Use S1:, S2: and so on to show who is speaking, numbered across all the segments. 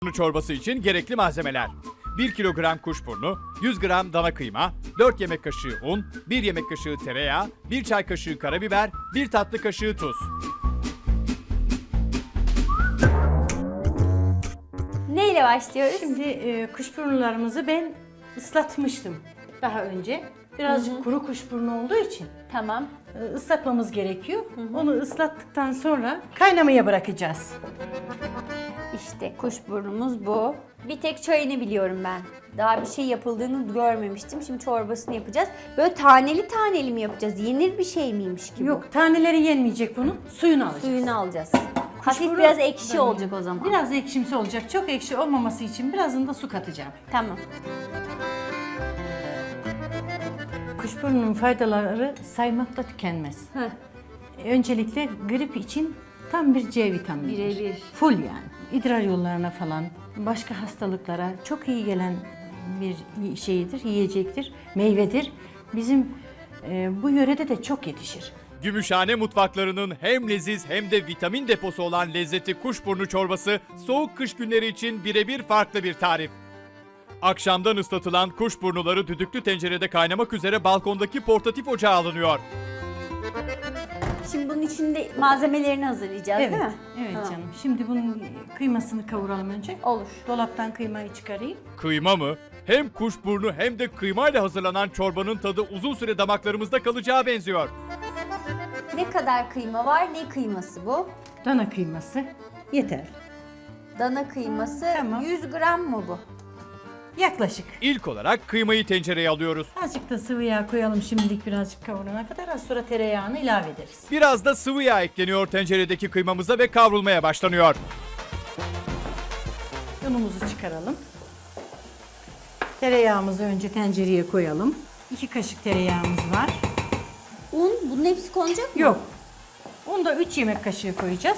S1: Çorbası için gerekli malzemeler: 1 kilogram kuşburnu, 100 gram dana kıyma, 4 yemek kaşığı un, 1 yemek kaşığı tereyağı, 1 çay kaşığı karabiber, 1 tatlı kaşığı tuz.
S2: Neyle başlıyoruz?
S3: Şimdi kuşburnularımızı ben ıslatmıştım daha önce. Birazcık kuru kuşburnu olduğu için
S2: Tamam.
S3: ıslatmamız gerekiyor. Onu ıslattıktan sonra kaynamaya bırakacağız.
S2: İşte kuşburnumuz bu. Bir tek çayını biliyorum ben. Daha bir şey yapıldığını görmemiştim. Şimdi çorbasını yapacağız. Böyle taneli taneli mi yapacağız? Yenir bir şey miymiş gibi?
S3: Yok, taneleri yenmeyecek bunun. Suyunu alacağız.
S2: Suyunu alacağız. Hafif
S3: Kuşburnu-
S2: biraz ekşi
S3: Böyle.
S2: olacak o zaman.
S3: Biraz ekşimsi olacak. Çok ekşi olmaması için birazını da su katacağım.
S2: Tamam.
S3: Kuşburnunun faydaları saymakla tükenmez. Öncelikle grip için tam bir C vitamini.
S2: Birebir.
S3: Full yani. İdrar yollarına falan, başka hastalıklara çok iyi gelen bir şeyidir, yiyecektir, meyvedir. Bizim bu yörede de çok yetişir.
S1: Gümüşhane mutfaklarının hem leziz hem de vitamin deposu olan lezzeti kuşburnu çorbası soğuk kış günleri için birebir farklı bir tarif. Akşamdan ıslatılan kuşburnuları düdüklü tencerede kaynamak üzere balkondaki portatif ocağa alınıyor.
S2: Şimdi bunun içinde malzemelerini hazırlayacağız değil mi?
S3: Evet
S2: Tamam.
S3: canım. Şimdi bunun kıymasını kavuralım önce.
S2: Olur.
S3: Dolaptan kıymayı çıkarayım.
S1: Kıyma mı? Hem kuşburnu hem de kıymayla hazırlanan çorbanın tadı uzun süre damaklarımızda kalacağı benziyor.
S2: Ne kadar kıyma var? Ne kıyması bu?
S3: Dana kıyması yeter.
S2: Dana kıyması.
S3: Tamam.
S2: 100 gram mı bu?
S3: Yaklaşık.
S1: İlk olarak kıymayı tencereye alıyoruz.
S3: Azıcık da sıvı yağ koyalım şimdilik, birazcık kavurana kadar. Az sonra tereyağını ilave ederiz.
S1: Biraz da sıvı yağ ekleniyor tenceredeki kıymamıza ve kavrulmaya başlanıyor.
S3: Unumuzu çıkaralım. Tereyağımızı önce tencereye koyalım. 2 kaşık tereyağımız var.
S2: Un, bunun hepsi konacak mı?
S3: Yok. Onu da 3 yemek kaşığı koyacağız.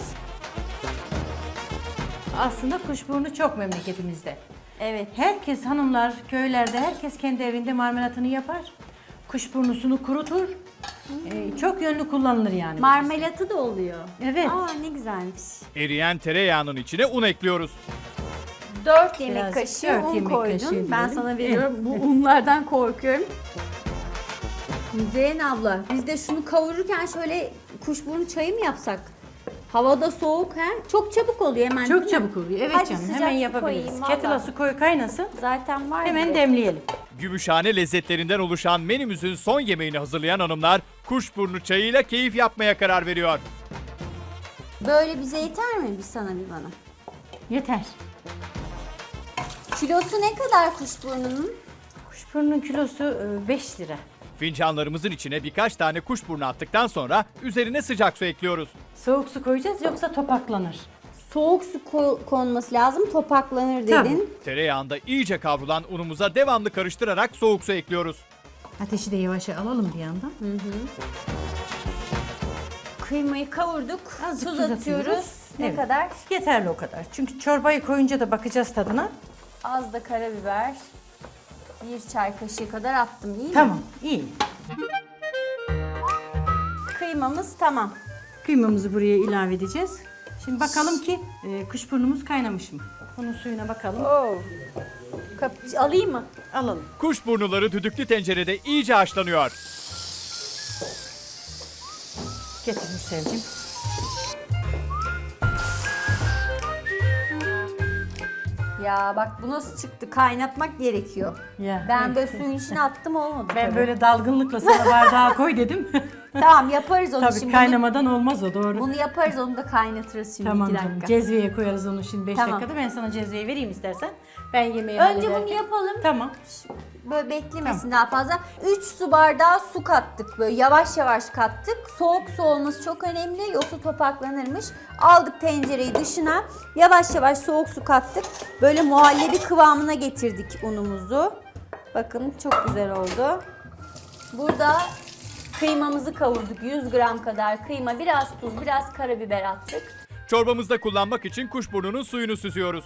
S3: Aslında kuşburnu çok memleketimizde.
S2: Evet.
S3: Herkes, hanımlar köylerde, herkes kendi evinde marmelatını yapar. Kuşburnusunu kurutur. Çok yönlü kullanılır yani.
S2: Marmelatı da oluyor.
S3: Evet.
S2: Aa ne güzelmiş.
S1: Eriyen tereyağının içine un ekliyoruz.
S2: 4 yemek
S3: Biraz,
S2: kaşığı
S3: 4
S2: un
S3: yemek
S2: koydun.
S3: kaşığı
S2: Ben
S3: diyelim.
S2: sana veriyorum. Bu unlardan korkuyorum. Müzeyyen abla, biz de şunu kavururken şöyle kuşburnu çayı mı yapsak? Havada soğuk he? Çok çabuk oluyor hemen.
S3: Çok
S2: değil mi?
S3: çabuk oluyor. Evet
S2: Hadi
S3: canım,
S2: sıcak
S3: hemen
S2: su
S3: yapabiliriz.
S2: koyayım
S3: Kettle'a
S2: valla.
S3: su koy, kaynasın.
S2: Zaten var.
S3: Hemen
S2: direkt.
S3: demleyelim.
S1: Gümüşhane lezzetlerinden oluşan menümüzün son yemeğini hazırlayan hanımlar kuşburnu çayıyla keyif yapmaya karar veriyor.
S2: Böyle bize yeter mi bir sana bir bana?
S3: Yeter.
S2: Kilosu ne kadar kuşburnunun?
S3: Kuşburnunun kilosu 5 lira.
S1: Fincanlarımızın içine birkaç tane kuşburnu attıktan sonra üzerine sıcak su ekliyoruz.
S3: Soğuk su koyacağız, yoksa topaklanır.
S2: Soğuk su konması lazım, topaklanır dedin.
S3: Tabii.
S1: Tereyağında iyice kavrulan unumuza devamlı karıştırarak soğuk su ekliyoruz.
S3: Ateşi de yavaşa alalım bir yandan.
S2: Kıymayı kavurduk,
S3: Azıcık
S2: tuz
S3: tuz
S2: atıyoruz.
S3: atıyoruz.
S2: Ne
S3: Evet.
S2: kadar?
S3: Yeterli o kadar. Çünkü çorbayı koyunca da bakacağız tadına.
S2: Az da karabiber. 1 çay kaşığı kadar attım, iyi mi?
S3: Tamam, iyi.
S2: Kıymamız tamam.
S3: Kıymamızı buraya ilave edeceğiz. Şimdi bakalım ki kuşburnumuz kaynamış mı? Onun suyuna bakalım.
S2: Oo. Alayım mı?
S3: Alalım.
S1: Kuşburnuları düdüklü tencerede iyice haşlanıyor.
S3: Getir Mürsel'cim.
S2: Ya bak bu nasıl çıktı? Kaynatmak gerekiyor.
S3: Ya,
S2: Ben
S3: evet.
S2: böyle suyun içine attım olmadı
S3: Ben
S2: tabii.
S3: böyle dalgınlıkla sana bardağa koy dedim.
S2: Tamam yaparız onu
S3: Tabii
S2: şimdi.
S3: kaynamadan olmaz o, doğru.
S2: Bunu yaparız, onu da kaynatırız şimdi
S3: Tamam
S2: 2
S3: canım.
S2: dakika.
S3: Cezveye koyarız onu şimdi 5
S2: Tamam.
S3: dakikada. Ben sana cezveyi vereyim istersen. Ben yemeği
S2: Önce bunu
S3: hallederken.
S2: yapalım.
S3: Tamam.
S2: Böyle beklemesin daha fazla. 3 su bardağı su kattık, böyle yavaş yavaş kattık. Soğuk su olması çok önemli, yoksa topaklanırmış. Aldık tencereyi dışına, yavaş yavaş soğuk su kattık. Böyle muhallebi kıvamına getirdik unumuzu. Bakın çok güzel oldu. Burada kıymamızı kavurduk. 100 gram kadar kıyma, biraz tuz, biraz karabiber attık.
S1: Çorbamızda kullanmak için kuşburnunun suyunu süzüyoruz.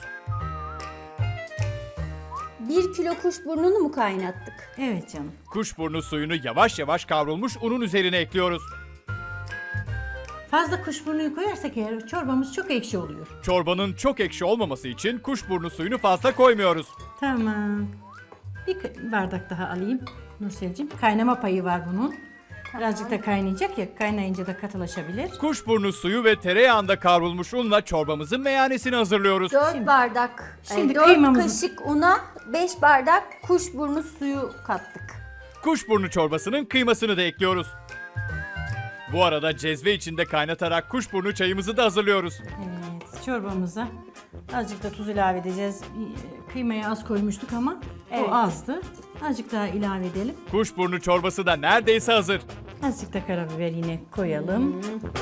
S2: 1 kilo kuşburnunu mu kaynattık?
S3: Evet canım.
S1: Kuşburnu suyunu yavaş yavaş kavrulmuş unun üzerine ekliyoruz.
S3: Fazla kuşburnuyu koyarsak eğer çorbamız çok ekşi oluyor.
S1: Çorbanın çok ekşi olmaması için kuşburnu suyunu fazla koymuyoruz.
S3: Tamam. Bir bardak daha alayım Nurselciğim. Kaynama payı var bunun. Birazcık da kaynayacak ya, kaynayınca da katılaşabilir.
S1: Kuşburnu suyu ve tereyağında kavrulmuş unla çorbamızın meyanesini hazırlıyoruz.
S2: 4 bardak,
S3: Şimdi
S2: 4
S3: kıymamızı-
S2: kaşık una 5 bardak kuşburnu suyu kattık.
S1: Kuşburnu çorbasının kıymasını da ekliyoruz. Bu arada cezve içinde kaynatarak kuşburnu çayımızı da hazırlıyoruz.
S3: Evet, çorbamıza azıcık da tuz ilave edeceğiz. Kıymayı az koymuştuk ama
S2: Evet.
S3: o azdı. Azıcık daha ilave edelim.
S1: Kuşburnu çorbası da neredeyse hazır.
S3: Azıcık da karabiber yine koyalım.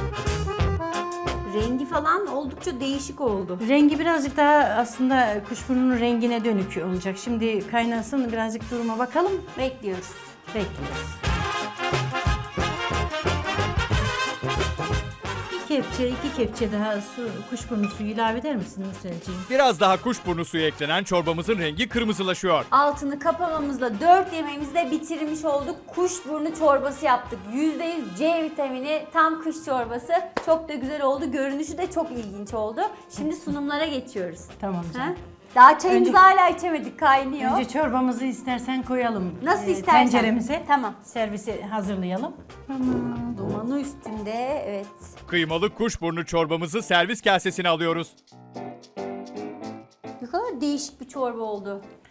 S2: Rengi falan oldukça değişik oldu.
S3: Rengi birazcık daha aslında kuşburnunun rengine dönük olacak. Şimdi kaynasın, birazcık duruma bakalım.
S2: Bekliyoruz.
S3: Bekliyoruz. İki kepçe daha kuşburnu suyu ilave eder misin Nurselciğim?
S1: Biraz daha kuşburnu suyu eklenen çorbamızın rengi kırmızılaşıyor.
S2: Altını kapamamızla 4 yemeğimizi de bitirmiş olduk. Kuşburnu çorbası yaptık. %100 C vitamini, tam kış çorbası. Çok da güzel oldu. Görünüşü de çok ilginç oldu. Şimdi sunumlara geçiyoruz.
S3: Tamam
S2: Ha?
S3: canım.
S2: Daha çayımızı
S3: Önce-
S2: hala içemedik, kaynıyor.
S3: Önce çorbamızı istersen koyalım.
S2: Nasıl istersen.
S3: Tenceremize.
S2: Tamam.
S3: Servisi hazırlayalım.
S2: Dumanı üstünde, evet.
S1: Kıymalı kuşburnu çorbamızı servis kasesine alıyoruz.
S2: Ne kadar değişik bir çorba oldu.